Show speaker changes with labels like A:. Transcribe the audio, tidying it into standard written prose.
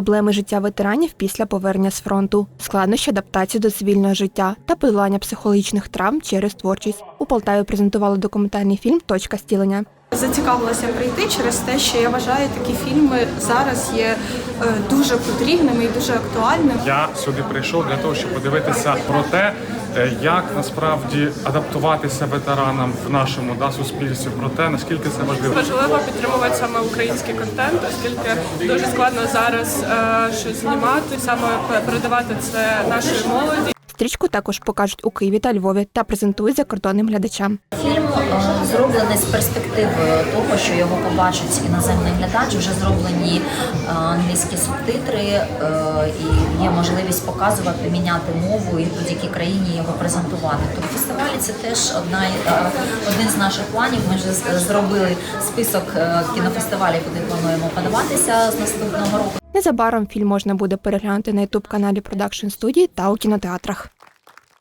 A: проблеми життя ветеранів після повернення з фронту, складнощі адаптації до цивільного життя та подолання психологічних травм через творчість. У Полтаві презентували документальний фільм «Точка зцілення».
B: Зацікавилася прийти через те, що я вважаю, такі фільми зараз є дуже потрібними і дуже актуальними.
C: Я сюди прийшов для того, щоб подивитися про те, як насправді адаптуватися ветеранам в нашому суспільстві, про те, наскільки це важливо.
D: Важливо підтримувати саме український контент, оскільки дуже складно зараз щось знімати, саме передавати це нашій молоді.
A: Стрічку також покажуть у Києві та Львові та презентують закордонним глядачам.
E: Фільм зроблений з перспективою того, що його побачить іноземний глядач. Вже зроблені англійські субтитри і є можливість показувати, міняти мову і в будь-якій країні його презентувати. Тобто фестивалі – це теж один з наших планів. Ми вже зробили список кінофестивалів, куди плануємо подаватися з наступного року.
A: Незабаром фільм можна буде переглянути на YouTube-каналі Production Studio та у кінотеатрах.